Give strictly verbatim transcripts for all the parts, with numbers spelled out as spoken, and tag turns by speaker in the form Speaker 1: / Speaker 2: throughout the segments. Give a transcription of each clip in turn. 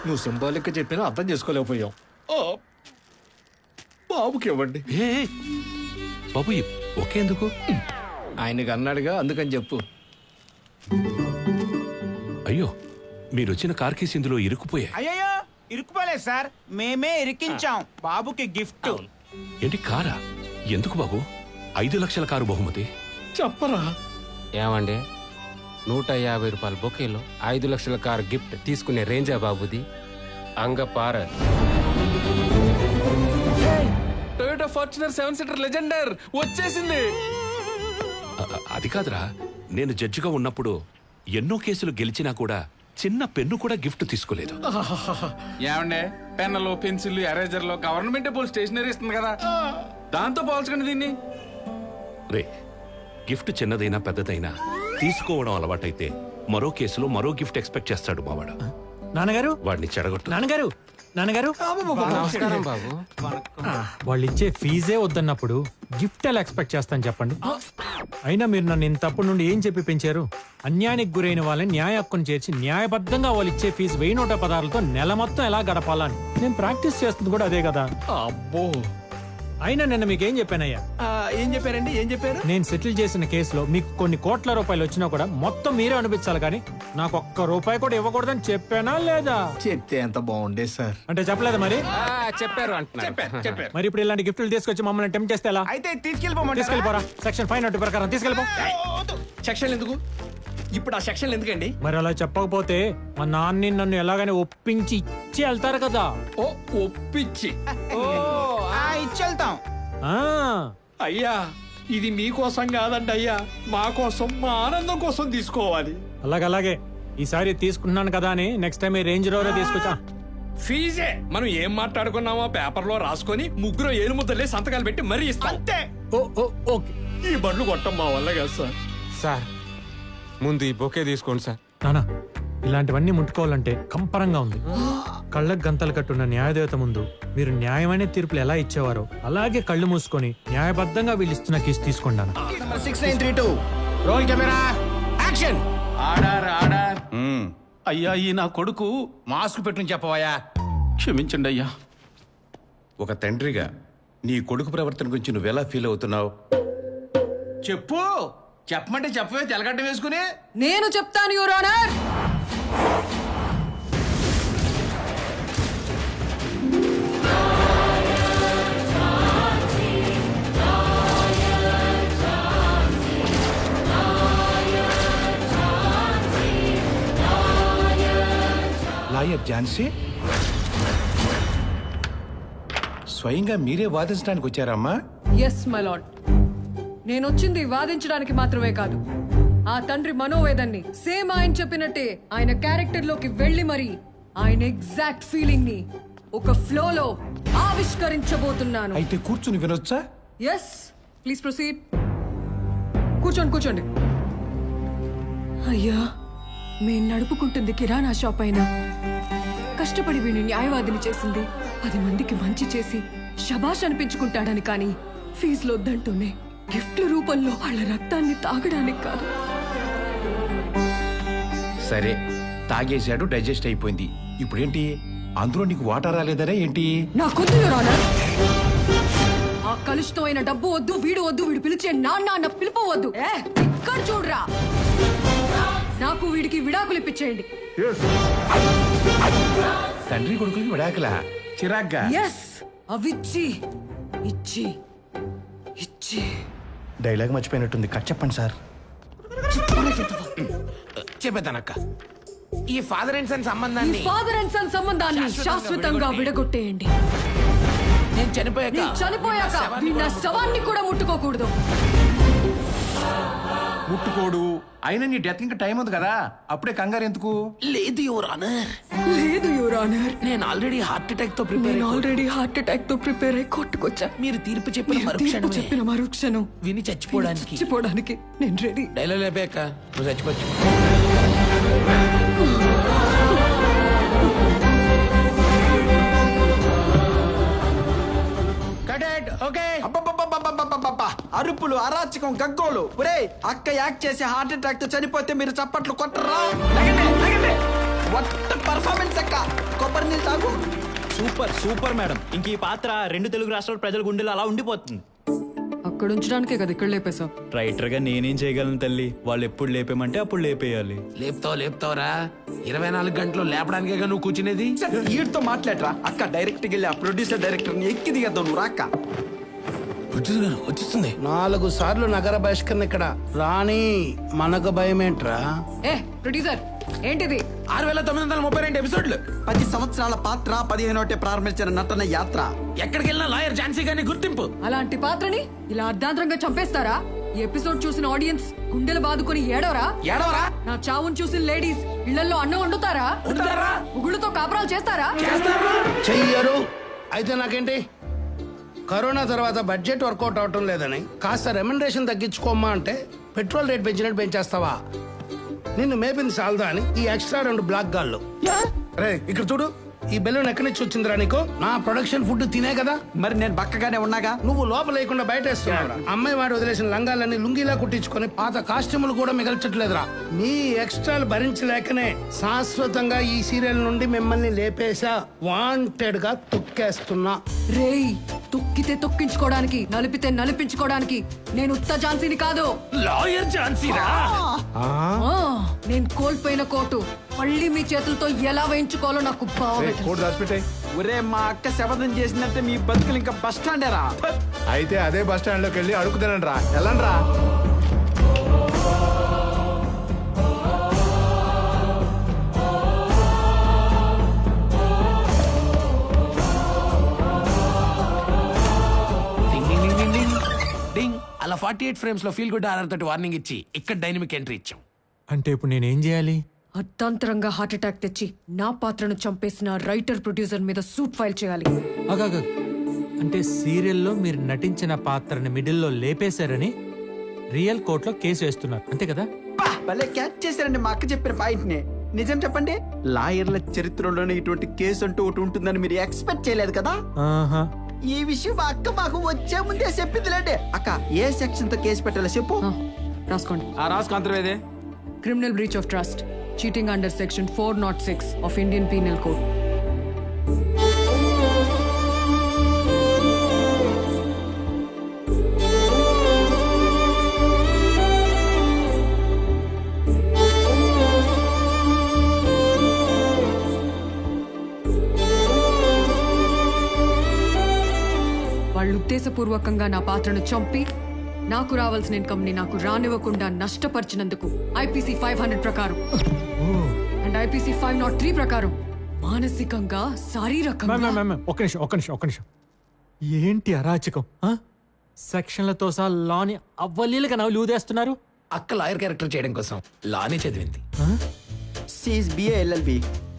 Speaker 1: నువ్వు సింబాలిక్ చెప్పినా అర్థం చేసుకోలేకపోయాం. బాబుకి ఇవ్వండి.
Speaker 2: ఏ బాబు ఒకేందుకు?
Speaker 1: ఆయనకి అన్నాడుగా, అందుకని చెప్పు.
Speaker 2: అయ్యో, మీరు వచ్చిన కార్ కేసు ఇందులో ఇరుక్కుపోయాయి.
Speaker 3: అయ్యో ఇరుక్కుపోలేదు సార్, మేమే ఇరికించాం బాబుకి గిఫ్ట్.
Speaker 2: ఏంటి కారా? ఎందుకు బాబు? ఐదు లక్షల కారు బహుమతి.
Speaker 1: చెప్పరా.
Speaker 4: ఏమండి, నూట యాభై రూపాయల బొకేలో ఐదు లక్షల కారు గిఫ్ట్ తీసుకునే రేంజా బాబుది? అంగపార.
Speaker 5: Toyota Fortuner seven seater Legender వచ్చేసింది.
Speaker 2: అ- అది కాదురా, నేను జడ్జిగా ఉన్నప్పుడు ఎన్నో కేసులు గెలిచినా కూడా చిన్న పెన్ను కూడా గిఫ్ట్ తీసుకోలేదు.
Speaker 5: ఏమండే, పెన్నులు పెన్సిల్ ఎరేజర్లు గవర్నమెంట్ పోల్ స్టేషనరీ ఇస్తుంది కదా, దాంతో పోల్చకండి దీన్ని.
Speaker 2: రే, గిఫ్ట్ చిన్నదైనా పెద్దదైనా తీసుకోవడం అలవాటైతే మరో కేసులో మరో గిఫ్ట్ ఎక్స్పెక్ట్ చేస్తాడు మావాడు.
Speaker 6: నాన్నగారు,
Speaker 2: వాడిని చెడగొట్టు.
Speaker 6: నాన్నగారు, నాన్నగారు,
Speaker 4: నమస్కారం బాబు.
Speaker 6: వాళ్ళు ఇచ్చే ఫీజే వద్దన్నప్పుడు గిఫ్ట్ ఎలా ఎక్స్పెక్ట్ చేస్తాను చెప్పండి. అయినా మీరు నన్ను ఇంతప్పటి నుండి ఏం చెప్పి పెంచారు? అన్యాయానికి గురైన వాళ్ళని న్యాయ హక్కును చేర్చి న్యాయబద్ధంగా వాళ్ళు ఇచ్చే ఫీజు వెయ్యి నూట పదాలతో నెల మొత్తం ఎలా గడపాలని నేను ప్రాక్టీస్ చేస్తుంది కూడా అదే కదా.
Speaker 1: అబ్బో,
Speaker 6: అయినా నిన్న మీకేం చెప్పానయ్యా?
Speaker 1: ఏం చెప్పారండి? ఏం చెప్పారు?
Speaker 6: నేను సెటిల్ చేసిన కేసులో మీకు కొన్ని కోట్ల రూపాయలు వచ్చినా కూడా మొత్తం మీరే అనిపించాలి, కానీ నాకు ఒక్క రూపాయి కూడా ఇవ్వకూడదని చెప్పానా లేదా?
Speaker 1: చెప్తే ఎంత బాగుండే సార్.
Speaker 6: అంటే చెప్పలేదా మరి?
Speaker 4: ఆ, చెప్పారు అంటున్నారు.
Speaker 1: చెప్పారు.
Speaker 6: మరి ఇప్పుడు ఇలాంటి గిఫ్ట్లు తీసుకొచ్చి మమ్మల్ని టెంప్ట్ చేస్తే ఎలా?
Speaker 3: అయితే తీసుకెళ్ళిపోమంటారా?
Speaker 6: తీసుకెళ్ళిపోరా. సెక్షన్ ఫైవ్ నట్టు ప్రకారం తీసుకెళ్ళిపో.
Speaker 1: సెక్షన్ ఎందుకు ఇప్పుడు? ఆ సెక్షన్ ఎందుకండి?
Speaker 6: మరి అలా చెప్పకపోతే మా నాన్ని నన్ను ఎలాగైనా ఒప్పించి ఇచ్చి వెళ్తారు కదా.
Speaker 1: ఓ, ఒప్పించి.
Speaker 3: ఓ ఆ, ఇచ్చెళ్తాం.
Speaker 6: ఆ
Speaker 1: అయ్యా, ఇది మీకోసం కాదండి అయ్యా, మా కోసం, మా ఆనందం కోసం తీసుకోవాలి.
Speaker 6: అలాగలాగే ఈసారి తీసుకున్నాను కదా అని నెక్స్ట్ టైం ఈ రేంజ్ రోవర్ తీసుకొచ్చా.
Speaker 1: ఫీజే మనం ఏం మాట్లాడుకున్నామో పేపర్ లో రాసుకొని ముగ్గురు ఏలు ముద్దలే సంతకాలు పెట్టి మరీ ఇస్తాం.
Speaker 3: అంతే.
Speaker 6: Oh oh okay.
Speaker 1: ఈ బండ్లు కొట్టం మా వల్ల కాదు సార్.
Speaker 4: సార్, ముందు ఈ బొకే తీసుకోండి సార్.
Speaker 6: నానా, ఇలాంటివన్నీ ముట్టుకోవాలంటే కంపరంగా ఉంది. కళ్ళకు గంతలు కట్టున్న న్యాయదేవత ముందు మీరు న్యాయమైన తీర్పులు ఎలా ఇచ్చేవారో అలాగే కళ్ళు మూసుకొని న్యాయబద్ధంగా వీళ్ళు ఇస్తున్న కేసు తీసుకోండి.
Speaker 3: Six nine three two roll camera action.
Speaker 5: Order order.
Speaker 7: అయ్యా, ఈ నా కొడుకు
Speaker 3: మాస్క్ పెట్టుని చెప్పవయ్యా.
Speaker 7: క్షమించండి అయ్యా.
Speaker 8: ఒక తండ్రిగా నీ కొడుకు ప్రవర్తన గురించి నువ్వెలా ఫీల్ అవుతున్నావు?
Speaker 3: చెప్పు. చెప్పమంటే చెప్పవే, తెలగడ్డ వేసుకుని.
Speaker 9: నేను చెప్తాను యువర్ ఆనర్.
Speaker 8: లాయర్ ఝాన్సీ, స్వయంగా మీరే వాదించడానికి వచ్చారమ్మా?
Speaker 9: ఎస్ మై లార్డ్, నేను వచ్చింది వాదించడానికి మాత్రమే కాదు, ఆ తండ్రి మనోవేదన్ని సేమ్ ఆయన చెప్పినట్టే ఆయన క్యారెక్టర్ లోకి వెళ్ళి మరి ఆయన ఎగ్జాక్ట్ ఫీలింగ్ ని ఒక ఫ్లో లో ఆవిష్కరించబోతున్నాను.
Speaker 8: అయితే కూర్చుని వినొచ్చా?
Speaker 9: Yes, please proceed. కూర్చోండి కూర్చోండి. అయ్యా, మేం నడుపుకుంటుంది కిరాణా షాప్ అయినా కష్టపడి వీడిని న్యాయవాదిని చేసింది పది మందికి మంచి చేసి శబాష్ అనిపించుకుంటాడని, కానీ ఫీజులు వద్దంటూనే గిఫ్ట్ల రూపంలో వాళ్ళ రక్తాన్ని తాగడానికి కాదు.
Speaker 8: సరే, తాగేశాడు, డైజెస్ట్ అయిపోయింది. ఇప్పుడేంటి? అందులో నీకు వాటర్ రాలేదనే ఏంటి?
Speaker 9: నాకొద్దు యువర్ ఆనర్. ఆ కలుషితమైన డబ్బు వద్దు, వీడు వద్దు, వీడు పిలిచే నాన్న అన్న పిలుపు వద్దు. ఏ, ఇక్కడ చూడరా, నాకు వీడికి విడాకులు ఇప్పించేయండి.
Speaker 8: తండ్రి కొడుకులకి విడాకులా? చిరాగ్గా.
Speaker 9: ఎస్, అవిచ్చి ఇచ్చి ఇచ్చి.
Speaker 8: డైలాగ్ మర్చిపోయినట్టుంది, కట్ చెప్పండి సార్.
Speaker 3: చెప్పేదానక్క, ఈ ఫాదర్ అండ్ సన్
Speaker 9: ఈ
Speaker 3: సంబంధాన్ని
Speaker 9: ఫాదర్ అండ్ సన్ సంబంధాన్ని శాశ్వతంగా విడగొట్టేయండి.
Speaker 3: నేను చనిపోయాక
Speaker 9: నేను చనిపోయాక వీడి నా శవాన్ని కూడా ముట్టుకోకూడదు.
Speaker 8: ముట్టుకోడు. అయినా నీ డెత్ ఇంకా టైం ఉంది కదా, అప్పుడే కంగారు ఎందుకు?
Speaker 3: లేదు యువర్ ఆనర్,
Speaker 9: లేదు యువర్ ఆనర్,
Speaker 3: నేను ఆల్రెడీ హార్ట్ అటాక్ తో ప్రిపేర్.
Speaker 9: నేను ఆల్రెడీ హార్ట్ అటాక్ తో ప్రిపేర్ అయి కొట్టుకొచ్చా.
Speaker 3: మీరు తీర్పు చెప్పిన
Speaker 9: మీరు తీర్పు
Speaker 3: మరుక్షణమే
Speaker 9: చెప్పిన మరుక్షణం
Speaker 3: విని చచ్చిపోవడానికి
Speaker 9: చచ్చిపోవడానికి నేను రెడీ.
Speaker 3: డైలాగ్ లేపాక నువ్వు చచ్చిపోవచ్చు. ఓకే.
Speaker 10: అరుపులు, అరాచకం, గగ్గోలు. ఒరే, అక్క యాక్ట్ చేసి హార్ట్ అటాక్ తో చనిపోతే మీరు చప్పట్లు కొట్టరా? వాట్ పర్ఫార్మెన్స్ అక్క. కొబ్బరి తాగు
Speaker 11: సూపర్ సూపర్ మేడం ఇంక ఈ పాత్ర రెండు తెలుగు రాష్ట్రాల ప్రజల గుండెలు అలా ఉండిపోతుంది.
Speaker 9: అక్కడ ఉంచడానికే కదా ఇక్కడ లేపేశావు.
Speaker 11: రైటర్ గా నేనేం చేయగలను తల్లి, వాళ్ళు ఎప్పుడు లేపేమంటే అప్పుడు లేపేయాలి.
Speaker 2: లేపుతావు లేపుతావురా, ఇరవై నాలుగు గంటలు లేపడానికే నువ్వు కూర్చునేది.
Speaker 10: వీడితో మాట్లాడరా అక్క. డైరెక్ట్ వెళ్ళి ఆ ప్రొడ్యూసర్ డైరెక్టర్ ని ఎక్కి దిగద్దాం నువ్వు రాక్క.
Speaker 2: వచ్చిస్తుంది.
Speaker 12: నాలుగు సార్లు నగర బహిష్కరణ ఇక్కడ రాణి మనకు భయమేంట్రా?
Speaker 9: ఏ ప్రొడ్యూసర్ ఏంటిది?
Speaker 2: ఆరు వేల తొమ్మిది వందల ముప్పై రెండు ఎపిసోడ్లు,
Speaker 10: పది సంవత్సరాల పాత్ర, పదిహేనోటే ప్రారంభించిన నటన యాత్ర.
Speaker 2: ఎక్కడికి వెళ్ళినా లాయర్ ఝాన్సీ గారిని గుర్తింపు.
Speaker 9: అలాంటి పాత్రని ఇలా అర్ధాంతరంగా చంపేస్తారా? ఈ ఎపిసోడ్ చూసిన ఆడియన్స్ గుండెలు బాదుకొని ఏడవరా?
Speaker 2: ఏడవరా?
Speaker 9: నా చావును చూసిన లేడీస్ ఇళ్లలో అన్నం వండుతారా?
Speaker 2: వండుతారా?
Speaker 9: ఉగుళ్ళతో కాపురాలు చేస్తారా?
Speaker 12: చెయ్యరు. అయితే నాకేంటి? కరోనా తర్వాత బడ్జెట్ వర్కౌట్ అవటం లేదని కాస్త రెమ్యునరేషన్ తగ్గించుకోమ్మా అంటే పెట్రోల్ రేట్ పెంచినట్టు పెంచేస్తావా? నిన్ను మేపింది సాల్దా అని ఈ ఎక్స్ట్రా రెండు బ్లాక్ గాళ్ళు. రే ఇక్కడ చూడు, ఈ బెలూన్ ఎక్కడి నుంచి వచ్చిందిరా నీకు? నా ప్రొడక్షన్ ఫుడ్ తినే కదా.
Speaker 10: మరి నేను బక్కగానే ఉన్నాగా.
Speaker 12: నువ్వు లోపల లేకుండా బయట వేస్తున్నావురా. అమ్మాయి వాడు వదిలేసిన లంగాలన్నీ లుంగిలా కుట్టించుకొని పాత కాస్ట్యూములు కూడా మిగల్చట్లేదురా. మీ ఎక్స్ట్రాలు భరించలేకనే శాశ్వతంగా ఈ సీరియల్ నుండి మిమ్మల్ని లేపేశా. వాంటెడ్ గా తొక్కేస్తున్నా.
Speaker 9: రేయ్, తొక్కితే తొక్కించుకోవడానికి, నలిపితే నలిపించుకోవడానికి నేను ఉత్త ఝాన్సీని కాదు.
Speaker 2: లాయర్ ఝాన్సీరా?
Speaker 9: ఆ, నేను కోల్పోయిన కోటు మళ్ళీ మీ చేతులతో ఎలా వేయించుకోవాలో నాకు బాగా తెలుసు.
Speaker 10: ఒరే మా అక్క శపథం చేసినట్టే మీ బతుకులు ఇంకా బస్ స్టాండేరా.
Speaker 8: అయితే అదే బస్ స్టాండ్ లోకి వెళ్ళి అడుగుతానండి రా. వెళ్ళండి రా.
Speaker 2: అలా ఫార్టీ ఎయిట్ ఫ్రేమ్స్ లో ఫీల్ గుడ్ ఆర్ఆర్ తోటి వార్నింగ్ ఇచ్చి ఇక్కడ డైనమిక్ ఎంట్రీ ఇచ్చాం.
Speaker 6: అంటే ఇప్పుడు నేనేం చేయాలి?
Speaker 9: అర్ధాంతరంగా హార్ట్ అటాక్ తెచ్చి నా పాత్రను చంపేసిన రైటర్ ప్రొడ్యూసర్ మీద సూట్ ఫైల్ చేయాలి.
Speaker 6: అగాగ, అంటే సీరియల్లో మీరు నటించిన పాత్రని మిడిల్లో లేపేశారని రియల్ కోర్టులో కేసు వేస్తున్నారు అంతే కదా?
Speaker 10: బా, భలే క్యాచ్ చేశారండి మా అక్క చెప్పిన పాయింట్ ని. నిజం చెప్పండి, లాయర్ల చరిత్రలోనే ఇటువంటి కేసు అంటూ ఒకటి ఉంటుందని మీరు ఎక్స్పెక్ట్ చేయలేదు కదా.
Speaker 6: ఆహా.
Speaker 10: ఈ విషయం మా అక్క మాకు వచ్చే ముందే చెప్పిందిలేండి. అక్క ఏ సెక్షన్ తో కేసు పెట్టాలో చెప్పు.
Speaker 9: ఆ, రాసుకోండి.
Speaker 3: ఆ రాసుకుంతవేదే
Speaker 9: criminal breach of trust, cheating under section four not six of Indian Penal Code. వాళ్ళు ఉద్దేశపూర్వకంగా నా పాత్రను చంపి నాకు రావాల్సిన ఇన్కమ్ ని నాకు రానివ్వకుండా నష్టపరిచినందుకు ఐపీసీ ఫైవ్ హండ్రెడ్ ప్రకారం and IPC five not three ప్రకారం మానసికంగా శారీరకంగా.
Speaker 6: మ్యామ్, మ్యామ్, మ్యామ్, ఒక్క నిమిషం ఒక్క నిమిషం ఒక్క నిమిషం ఏంటి అరాచకం? ఆ? సెక్షన్లతో సహా లాని అవ్వలీలుగా నవ్వులు ఊదేస్తున్నారు.
Speaker 2: అక్క లాయర్ క్యారెక్టర్ చేయడం కోసం లానే చదివింది.
Speaker 10: సీస్ బిఏ ఎల్ఎల్బి.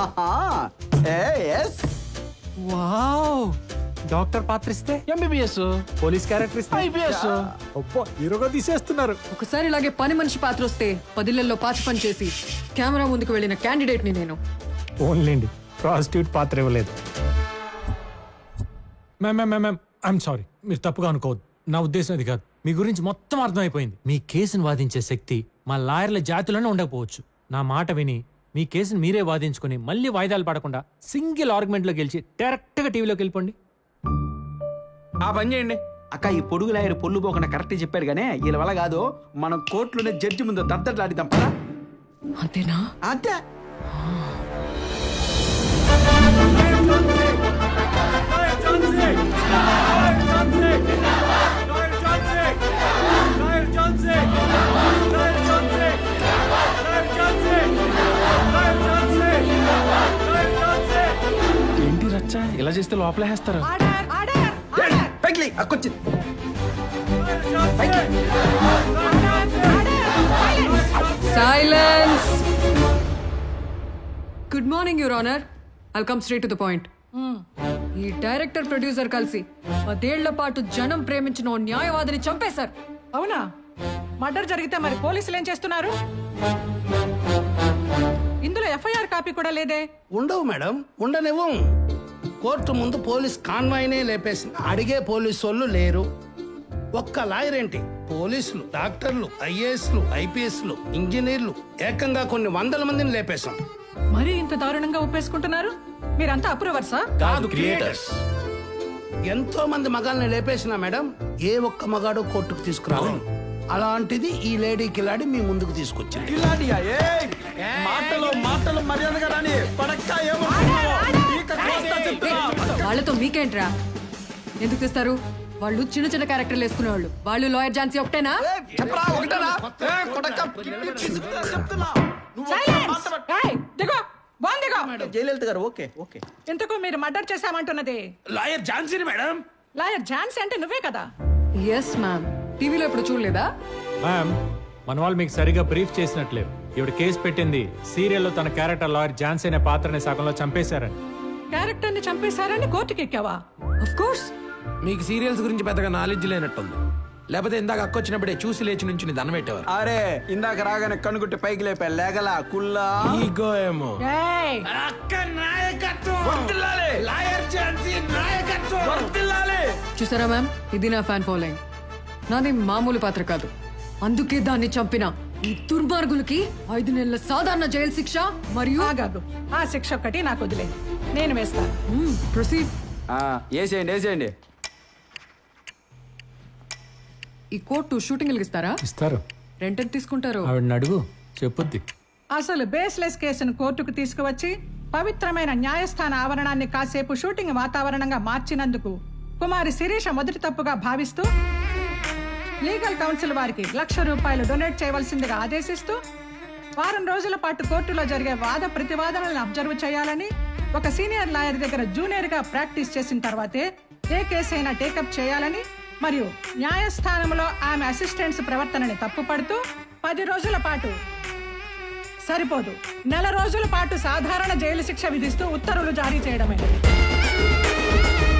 Speaker 6: వావ్, డాక్టర్ పాత్ర ఇస్తే
Speaker 5: ఎంబీబీఎస్,
Speaker 6: పోలీస్ క్యారెక్టర్ ఇస్తే
Speaker 5: ఐపీఎస్.
Speaker 6: అబ్బో, హీరోగా తీసేస్తున్నారు.
Speaker 9: ఒకసారి ఇలాగే పని మనిషి పాత్ర వస్తే పదిళ్లలో పాచి పని చేసి కెమెరా ముందుకు వెళ్ళిన క్యాండిడేట్ ని నేను.
Speaker 6: ఓన్లేండి, ప్రాస్టిట్యూట్ పాత్ర ఇవ్వలేదు. Ma'am ma'am ma'am ma'am I'm sorry, మీరు తప్పుగా అనుకోవద్దు. నా ఉద్దేశం అది కాదు. మీ గురించి మొత్తం అర్థమైపోయింది. మీ కేసును వాదించే శక్తి మా లాయర్ల జాతిలోనే ఉండకపోవచ్చు. నా మాట విని మీ కేసును మీరే వాదించుకొని మళ్ళీ వాయిదాలు పడకుండా సింగిల్ ఆర్గ్యుమెంట్లో గెలిచి డైరెక్ట్గా టీవీలోకి వెళ్ళిపోండి.
Speaker 3: ఆ పని చేయండి.
Speaker 10: అక్క ఈ పొడుగు లాయర్ పొల్లు పోకుండా కరెక్ట్ చెప్పాడు గానే, వీళ్ళ వల్ల కాదు. మనం కోర్టులోనే జడ్జి ముందు దద్దట్లాడిద్దాం పదా.
Speaker 9: అంతేనా?
Speaker 10: అంతే.
Speaker 5: ఏంటి రచ్చ ఇలా చేస్తే లోపలే వేస్తారు.
Speaker 10: పైకి అక్కొచ్చింది.
Speaker 9: Silence. Good morning your honour. I'll come straight to the point. ఈ డైరెక్టర్ ప్రొడ్యూసర్ కలిసి పదేళ్ల పాటు జనం ప్రేమించిన ఓ న్యాయవాదిని చంపేశారు.
Speaker 13: అవునా? మర్డర్ జరిగితే మరి పోలీసులు ఏం చేస్తున్నారు? ఇందులో ఎఫ్ఐఆర్ కాపీ కూడా లేదే.
Speaker 12: ఉండవు మేడం, ఉండనివ్వం. కోర్టు ముందు పోలీస్ కాన్వాయ్నే లేపేసిన అడిగే పోలీసు వాళ్ళు లేరు. ఒక్క లాయర్ ఏంటి, పోలీసులు, డాక్టర్లు, ఐఏఎస్లు, ఐపీఎస్లు, ఇంజనీర్లు, ఏకంగా కొన్ని వందల మందిని లేపేశాం.
Speaker 13: మరీ ఇంత దారుణంగా ఒప్పేసుకుంటున్నారు మీరంతా అప్రూవర్సా
Speaker 8: కాదు క్రియేటర్స్.
Speaker 12: ఎంతో మంది మగాల్ని లేపేసిన మేడం ఏ ఒక్క మగాడు కోర్టుకు తీసుకురావాలి. అలాంటిది ఈ లేడీ కిలాడి మీ ముందుకు తీసుకొచ్చింది.
Speaker 10: కిలాడియా? ఏయ్! మాటలు మాటలు మర్యాదగా రాని పడక్క ఏమనుకున్నావు? ఈక కోస్తా చెప్తున్నా.
Speaker 9: వాళ్ళతో మీకేంట్రా? ఎందుకు తెస్తారు? వాళ్ళు చిన్న చిన్న క్యారెక్టర్లు వేసుకునేవాళ్ళు. వాళ్ళు లాయర్ ఝాన్సీ ఒకటేనా?
Speaker 10: ఏయ్, చెప్పరా ఒకటేనా? ఏయ్, కొడక కిడ్నీ తీసుకురా చెప్తున్నా. నువ్వు ఒక్క
Speaker 13: Silence!
Speaker 10: మాట పట్టు.
Speaker 13: ఏయ్, దిగో బాగుంది దిగో
Speaker 10: జయలలిత గారు ఓకే ఓకే.
Speaker 13: ఇంతకు మీరు మర్డర్ చేశామంటున్నది
Speaker 8: లాయర్ ఝాన్సీని మేడం.
Speaker 13: లాయర్ ఝాన్సీ అంటే నువ్వే కదా?
Speaker 9: Yes ma'am. టీవీలో ఇప్పుడు చూడలేదా?
Speaker 6: మ్యామ్ మన వాళ్ళు మీకు సరిగా బ్రీఫ్ చేసినట్లేదు. ఇవిడ కేసు పెట్టింది సీరియల్లో తన క్యారెక్టర్ లాయర్ ఝాన్సీ అనే పాత్రని సగంలో చంపేశారని.
Speaker 13: క్యారెక్టర్ ని చంపేశారని కోర్టుకి ఎక్కావా?
Speaker 9: Of course.
Speaker 8: మీకు సీరియల్స్ గురించి పెద్దగా నాలెడ్జ్ లేనట్టుంది. లేకపోతే ఇందాక అక్కొచ్చినప్పుడే చూసి లేచి నుంచి దండం పెట్టేవారు.
Speaker 10: అరే ఇందాక రాగానే కనుగుట్టి పైకి లేపా లేగలా కుల్లా.
Speaker 8: ఈగో ఏమో.
Speaker 13: ఏయ్,
Speaker 8: లాయర్ ఝాన్సీ నాయకత్వం.
Speaker 9: చూసారా మ్యామ్, ఇది నా ఫ్యాన్ ఫాలోయింగ్. నాది మామూలు పాత్ర కాదు. అందుకే దాన్ని చంపిన ఈ దుర్మార్గులకి ఐదు నెలల సాధారణ జైలు శిక్ష మరియు
Speaker 13: ఆగాగు. ఆ శిక్ష ఒక్కటి నాకు వదిలే, నేను వేస్తాను.
Speaker 9: ప్రొసీడ్.
Speaker 10: వేసేయండి వేసేయండి.
Speaker 9: ఈ కోర్టు షూటింగ్ ఇస్తారా?
Speaker 6: ఇస్తారు.
Speaker 9: రెంట్ ఎంత తీసుకుంటారు?
Speaker 6: ఆవిడని అడుగు, చెప్పుద్ది.
Speaker 13: అసలు బేస్లెస్ కేసును కోర్టుకు తీసుకువచ్చి పవిత్రమైన న్యాయస్థాన ఆవరణాన్ని కాసేపు షూటింగ్ వాతావరణంగా మార్చినందుకు కుమారి శిరీష మొదటి తప్పుగా భావిస్తూ లీగల్ కౌన్సిల్ వారికి లక్ష రూపాయలు డొనేట్ చేయవలసిందిగా ఆదేశిస్తూ వారం రోజుల పాటు కోర్టులో జరిగే వాద ప్రతివాదనలను అబ్జర్వ్ చేయాలని, ఒక సీనియర్ లాయర్ దగ్గర జూనియర్ గా ప్రాక్టీస్ చేసిన తర్వాతే ఏ కేసు అయినా టేకప్ చేయాలని మరియు న్యాయస్థానంలో ఆమె అసిస్టెంట్స్ ప్రవర్తనని తప్పుపడుతూ పది రోజుల పాటు సరిపోదు నెల రోజుల పాటు సాధారణ జైలు శిక్ష విధిస్తూ ఉత్తర్వులు జారీ చేయడమే.